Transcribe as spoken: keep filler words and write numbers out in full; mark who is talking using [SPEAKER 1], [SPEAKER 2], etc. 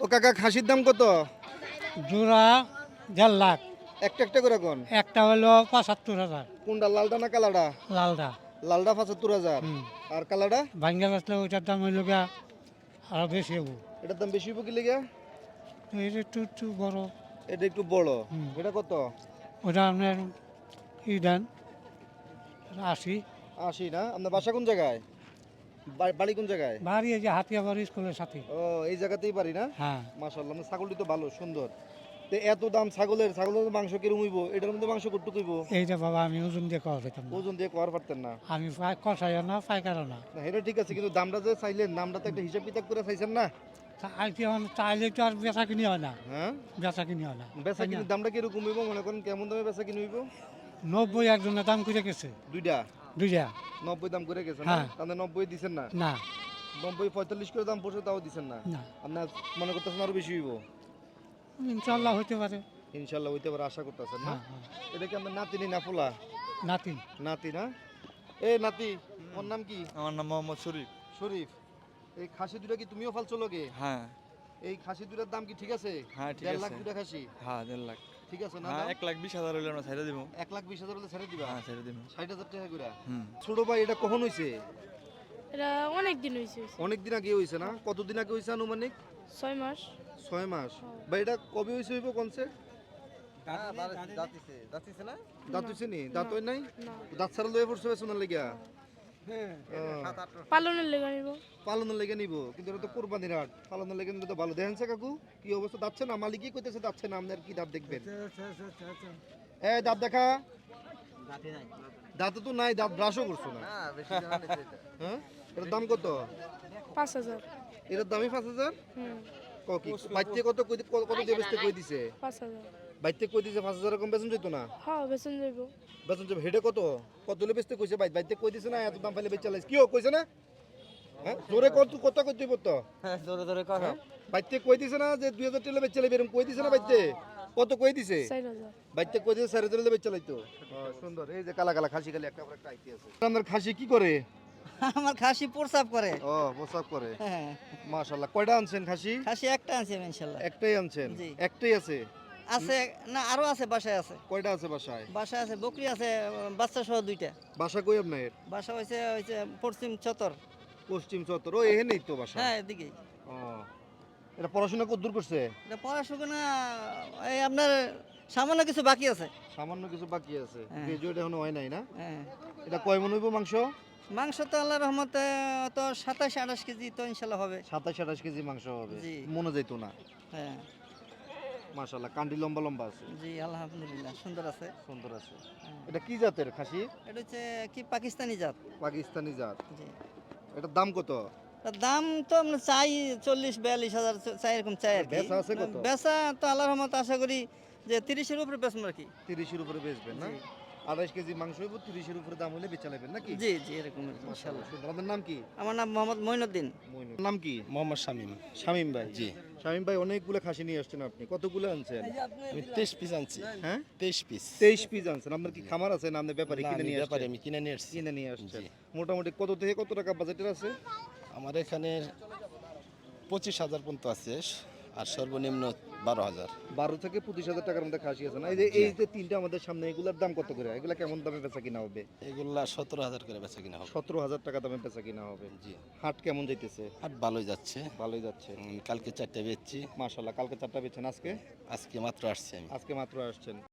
[SPEAKER 1] ও কাকা খাসির দাম কত?
[SPEAKER 2] জোড়া দেড় লাখ।
[SPEAKER 1] একটা একটা করে কোন?
[SPEAKER 2] একটা হলো পঁচাত্তর হাজার।
[SPEAKER 1] কোনটা, লালটা না কালাটা?
[SPEAKER 2] লালটা।
[SPEAKER 1] লালটা পঁচাত্তর হাজার।
[SPEAKER 2] হুম।
[SPEAKER 1] আর কালাটা?
[SPEAKER 2] ভাঙ্গা বেচলে ওইটার দাম হইল গিয়া আরো বেশি হবো।
[SPEAKER 1] এটার দাম বেশি হইব কি লেগে?
[SPEAKER 2] তো এটা একটু একটু বড়।
[SPEAKER 1] এটা একটু বড়।
[SPEAKER 2] হুম।
[SPEAKER 1] এটা কত?
[SPEAKER 2] ওটা আপনার ই দেন আশি।
[SPEAKER 1] আশি না? আপনার বাসা কোন জায়গায়? বা- বাড়ি কোন জায়গায়?
[SPEAKER 2] বাড়ি এই যে হাতিয়াবাড়ি স্কুলের সাথে।
[SPEAKER 1] ও, এই জায়গাতেই বাড়ি না?
[SPEAKER 2] হ্যাঁ।
[SPEAKER 1] মাশাআল্লাহ, আপনার ছাগলটি তো ভালো সুন্দর। তো এত দাম ছাগলের, ছাগলের মাংস কিরম হইব? এটার মধ্যে মাংস কতটুকু হইব?
[SPEAKER 2] এইটা বাবা আমি ওজন দিয়ে কওয়া যেতাম না।
[SPEAKER 1] ওজন দিয়ে কোয়ার পারতেন না?
[SPEAKER 2] আমি পাই- কষাইও না পাইকারও না।
[SPEAKER 1] না, এটা ঠিক আছে, কিন্তু দামটা যে চাইলেন, দামটা তো একটা হিসাব কিতাব করে চাইছেন না?
[SPEAKER 2] আইতে চাইলে তো আর বেচা কিনি হয় না।
[SPEAKER 1] হ্যাঁ,
[SPEAKER 2] বেচা কিনি হয় না।
[SPEAKER 1] বেচা কিনি দামটা কিরকম হইব মনে করেন? কেমন দামে বেচা কিনি হইব?
[SPEAKER 2] নব্বই একজনের দাম করে গেছে।
[SPEAKER 1] দুইটা
[SPEAKER 2] দুইটা।
[SPEAKER 1] নব্বই দাম করে গেছে না?
[SPEAKER 2] হ্যাঁ।
[SPEAKER 1] তাহলে নব্বই দিচ্ছেন না?
[SPEAKER 2] না
[SPEAKER 1] নব্বই পঁয়তাল্লিশ করে দাম পড়ছে, তাও দিচ্ছেন না?
[SPEAKER 2] না
[SPEAKER 1] আপনার মনে করতেছেন আরো বেশি হইব?
[SPEAKER 2] ইনশাল্লাহ হইতে পারে।
[SPEAKER 1] ইনশাল্লাহ হইতে পারে, আশা করতেছেন না?
[SPEAKER 2] হ্যাঁ হ্যাঁ।
[SPEAKER 1] এটা কি আপনার নাতি না ফুলা?
[SPEAKER 2] নাতি।
[SPEAKER 1] নাতি না? এ নাতি, ওর নাম কি?
[SPEAKER 3] আমার নাম মোহাম্মদ শরীফ।
[SPEAKER 1] শরীফ, এই খাসি দুটা কি তুমিও ফালছো লগে?
[SPEAKER 3] হ্যাঁ
[SPEAKER 1] এই খাসি দুটার দাম কি ঠিক আছে?
[SPEAKER 3] হ্যাঁ ঠিক
[SPEAKER 1] দেড় লাখ
[SPEAKER 3] আছে।
[SPEAKER 1] দুটা খাসি
[SPEAKER 3] হ্যাঁ দেড় লাখ।
[SPEAKER 1] ঠিক আছে না?
[SPEAKER 3] হ্যাঁ
[SPEAKER 1] দাম?
[SPEAKER 3] এক লাখ বিশ হাজার হইলে আমরা ছেড়ে দিব।
[SPEAKER 1] এক লাখ বিশ হাজার হলে ছেড়ে দিবা?
[SPEAKER 3] হ্যাঁ ছেড়ে দিব।
[SPEAKER 1] ষাট হাজার টাকা করে।
[SPEAKER 3] হুম।
[SPEAKER 1] ছোট ভাই, এটা কখন হয়েছে?
[SPEAKER 4] এটা অনেক দিন হয়েছে,
[SPEAKER 1] অনেক দিন আগে হয়েছে না? কতদিন আগে হয়েছে আনুমানিক?
[SPEAKER 4] ছয় মাস।
[SPEAKER 1] ছয় মাস। ভাই এটা কবে হয়েছে হইব কোনছে? দাঁত হয়েছে নি? দাঁত হয় নাই?
[SPEAKER 4] না,
[SPEAKER 1] দাঁত ছাড়া লয়ে পড়ছে বেসনের লেগা?
[SPEAKER 4] পালনের লেগে নিব।
[SPEAKER 1] পালনের লেগে নিব, কিন্তু এটা তো কোরবানির হাট, পালনের লেগে নিলে তো ভালো। দেখেন কাকু কি অবস্থা, দাচ্ছে না? মালিকই কইতেছে দাচ্ছে না, আপনার কি দাঁত দেখবেন? এ দাঁত দেখা, দাঁত তো নাই, দাঁত ব্রাশও করছো না। হ্যাঁ, এটার দাম কত?
[SPEAKER 4] পাঁচ হাজার।
[SPEAKER 1] এটার দামই পাঁচ হাজার?
[SPEAKER 4] হুম,
[SPEAKER 1] কি বাইতে কত কই দি- কত দিয়ে বেচতে কই দিছে?
[SPEAKER 4] পাঁচ হাজার।
[SPEAKER 1] বাইতে কই দিছে পাঁচ হাজার, কম বেচন যেত না?
[SPEAKER 4] হ্যাঁ, বেতন যাইব।
[SPEAKER 1] বেচন যাবে হেডে কত? কত হলে বেচতে কইছে? বাইতে বাইতে কই দিছে না এত দাম পাইলে বেচা লাইছ? কি ও কইছে না? হ্যাঁ, জোরে কত কত কই দিব তো?
[SPEAKER 3] হ্যাঁ জোরে জোরে কথা।
[SPEAKER 1] বাইতে কই দিছে না যে দুই হাজার টাকা বেচা লাইবে, এরকম কই দিছে না? বাইতে কত কই দিছে?
[SPEAKER 4] চার হাজার।
[SPEAKER 1] বাইতে কই দিছে চার হাজার টাকা বেচা লাইতো। সুন্দর, এই যে কালা কালা খাসি, খালি একটা পর একটা আইতে আছে। আপনার খাসি কি করে?
[SPEAKER 5] আমার খাসি প্রসাব করে।
[SPEAKER 1] ও, প্রসাব করে।
[SPEAKER 5] হ্যাঁ,
[SPEAKER 1] মাশাআল্লাহ, কয়টা আনছেন খাসি?
[SPEAKER 5] খাসি একটা আছে ইনশাল্লাহ।
[SPEAKER 1] একটাই আনছেন?
[SPEAKER 5] জি।
[SPEAKER 1] একটাই আছে?
[SPEAKER 5] আছে না, আরো আছে, বাসায় আছে।
[SPEAKER 1] কয়টা আছে বাসায়?
[SPEAKER 5] বাসায় আছে বকরি আছে, বাচ্চা সহ দুইটা।
[SPEAKER 1] বাসা কই আপনার?
[SPEAKER 5] বাসা হয়েছে হয়েছে পশ্চিম চতর।
[SPEAKER 1] পশ্চিম চত্বর। ও, এখানেই তো বাসা?
[SPEAKER 5] হ্যাঁ, এদিকেই।
[SPEAKER 1] ও, এটা পড়াশোনা কত দূর করছে?
[SPEAKER 5] এটা পড়াশোনা এই আপনার সামান্য কিছু বাকি আছে।
[SPEAKER 1] সামান্য কিছু বাকি আছে,
[SPEAKER 5] হ্যাঁ।
[SPEAKER 1] গ্রাজুয়েট এখনো হয় নাই না?
[SPEAKER 5] হ্যাঁ,
[SPEAKER 1] এটা কয় মন হইব মাংস?
[SPEAKER 5] মাংস তো আল্লাহ রহমতে তো সাতাশ আঠাশ কেজি তো ইনশাল্লাহ হবে।
[SPEAKER 1] সাতাশ আঠাশ কেজি মাংস হবে?
[SPEAKER 5] জি।
[SPEAKER 1] মনে যাইতো না।
[SPEAKER 5] হ্যাঁ,
[SPEAKER 1] মাশাআল্লাহ, কান্ডি লম্বা লম্বা আছে,
[SPEAKER 5] জি আলহামদুলিল্লাহ সুন্দর আছে।
[SPEAKER 1] সুন্দর আছে।
[SPEAKER 5] হ্যাঁ।
[SPEAKER 1] এটা কি জাতের খাসি?
[SPEAKER 5] এটা হচ্ছে কি পাকিস্তানি জাত।
[SPEAKER 1] পাকিস্তানি জাত।
[SPEAKER 5] জি,
[SPEAKER 1] এটার দাম কত?
[SPEAKER 5] তার দাম তো আমরা চাই চল্লিশ বিয়াল্লিশ হাজার চাই, এরকম চাই আর কি।
[SPEAKER 1] বেচা আছে কত?
[SPEAKER 5] বেচা তো আল্লাহর রহমত আশা করি যে তিরিশের উপরে বেচবো আর কি।
[SPEAKER 1] তিরিশের উপরে বেচবেন না?
[SPEAKER 5] জি।
[SPEAKER 1] আঠাশ কেজি মাংস হইব, তিরিশের উপরে দাম হলে বেচা নেবেন নাকি?
[SPEAKER 5] জি জি এরকম ইনশাল্লাহ।
[SPEAKER 1] মাশাআল্লাহ, সুন্দর। আপনার নাম কি?
[SPEAKER 5] আমার নাম মোহাম্মদ মঈনুদ্দিন।
[SPEAKER 1] মইনুল। নাম কি?
[SPEAKER 6] মোহাম্মদ শামীম।
[SPEAKER 1] শামীম ভাই। জি। শামীম ভাই, অনেকগুলো খাসি নিয়ে আসছেন আপনি, কতগুলো আনছেন?
[SPEAKER 6] আমি তেইশ পিস আনছি।
[SPEAKER 1] হ্যাঁ,
[SPEAKER 6] তেইশ পিস।
[SPEAKER 1] তেইশ পিস আনছেন। আপনার কি খামার আছে না আপনি ব্যাপারে
[SPEAKER 6] না,
[SPEAKER 1] কিনে
[SPEAKER 6] আমি
[SPEAKER 1] নিয়ে
[SPEAKER 6] ব্যাপারে
[SPEAKER 1] আসছেন?
[SPEAKER 6] আমি কিনে নিয়ে এসেছি।
[SPEAKER 1] কিনে নিয়ে আসছেন।
[SPEAKER 6] জি।
[SPEAKER 1] মোটামুটি কত থেকে কত টাকা বাজেটের আছে?
[SPEAKER 6] আমার এখানে পঁচিশ হাজার পর্যন্ত আছে, আর সর্বনিম্ন বারো হাজার।
[SPEAKER 1] বারো থেকে পঁচিশ হাজার টাকার মধ্যে খাসি আছে না? এই যে এই যে তিনটা আমাদের সামনে, এগুলোর দাম কত করে? এগুলা কেমন দামে বেচা কিনা হবে?
[SPEAKER 6] এগুলা সতেরো হাজার করে বেচা কিনা হবে।
[SPEAKER 1] সতেরো হাজার টাকা দামে বেচা কিনা হবে।
[SPEAKER 6] জি।
[SPEAKER 1] হাট কেমন যাইতেছে?
[SPEAKER 6] আর ভালোই যাচ্ছে।
[SPEAKER 1] ভালোই যাচ্ছে।
[SPEAKER 6] উম, কালকে চারটে বেচছি,
[SPEAKER 1] মাশাআল্লাহ, কালকে চারটা বেচছেন, আজকে?
[SPEAKER 6] আজকে মাত্র আসছি আমি।
[SPEAKER 1] আজকে মাত্র আসছেন।